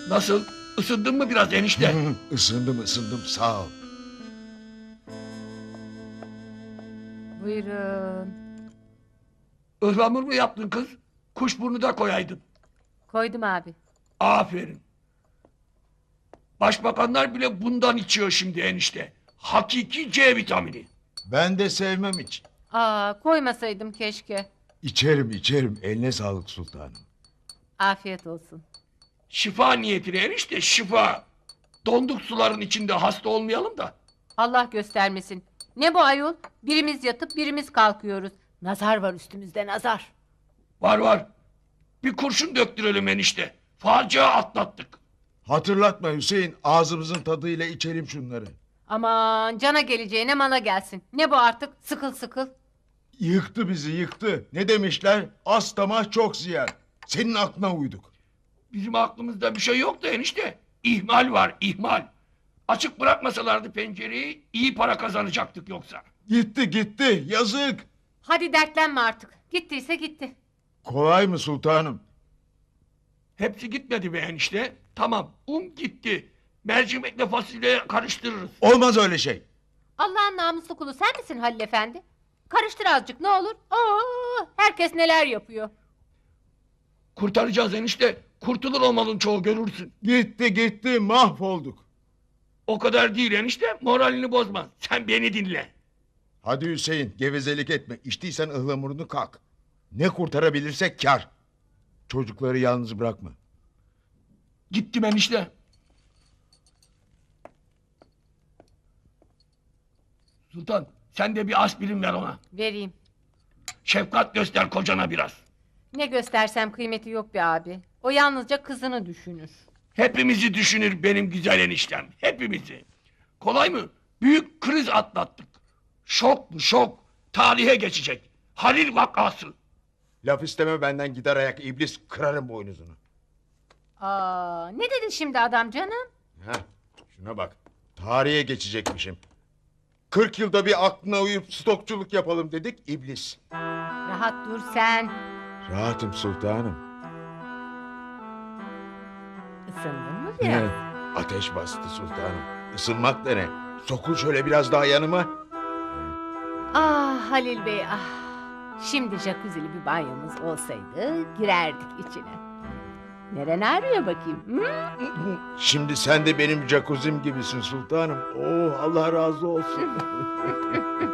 Nasıl? Isındın mı biraz enişte? Isındım sağ ol. Buyurun. Ihlamur mu yaptın kız? Kuşburnu da koyaydın. Koydum abi. Aferin. Başbakanlar bile bundan içiyor şimdi enişte. Hakiki C vitamini. Ben de sevmem hiç. Koymasaydım keşke. İçerim. Eline sağlık sultanım. Afiyet olsun. Şifa niyetine enişte, şifa. Donduk suların içinde hasta olmayalım da. Allah göstermesin. Ne bu ayol? Birimiz yatıp birimiz kalkıyoruz. Nazar var üstümüzde, nazar. Var. Bir kurşun döktürelim enişte. Facia atlattık. Hatırlatma Hüseyin, ağzımızın tadıyla içelim şunları. Aman cana geleceğine mala gelsin. Ne bu artık? Sıkıl sıkıl. Yıktı bizi yıktı. Ne demişler? Az tamah çok ziyan. Senin aklına uyduk. Bizim aklımızda bir şey yok da enişte. İhmal var, ihmal. Açık bırakmasalardı pencereyi iyi para kazanacaktık yoksa. Gitti yazık. Hadi dertlenme artık. Gittiyse gitti. Kolay mı sultanım? Hepsi gitmedi be enişte. Tamam, gitti. Mercimekle fasulye karıştırırız. Olmaz öyle şey. Allah'ın namuslu kulu sen misin Halil Efendi? Karıştır azıcık ne olur. Herkes neler yapıyor. Kurtaracağız enişte. Kurtulur o malın çoğu görürsün. Gitti mahvolduk. O kadar değil enişte. Moralini bozma. Sen beni dinle. Hadi Hüseyin gevezelik etme. İçtiysen ıhlamurunu kalk. Ne kurtarabilirsek kar. Çocukları yalnız bırakma. Gittim enişte. Sultan sen de bir aspirin ver ona. Vereyim. Şefkat göster kocana biraz. Ne göstersem kıymeti yok be abi. O yalnızca kızını düşünür. Hepimizi düşünür benim güzel eniştem. Hepimizi. Kolay mı? Büyük kriz atlattık. Şok bu şok. Tarihe geçecek. Halil vakası. Laf isteme benden gider ayak iblis kırarım boynuzunu. Ne dedi şimdi adam canım? Heh, şuna bak. Tarihe geçecekmişim. 40 yılda bir aklına uyup stokçuluk yapalım dedik iblis. Rahat dur sen. Rahatım sultanım. Isındın mı biraz? Ateş bastı sultanım. Isınmak da ne? Sokul şöyle biraz daha yanıma. Halil Bey Şimdi jacuzzi'li bir banyomuz olsaydı girerdik içine. Neren ağrıyor bakayım? Hı? Şimdi sen de benim jacuzzi'm gibisin sultanım. Oh Allah razı olsun.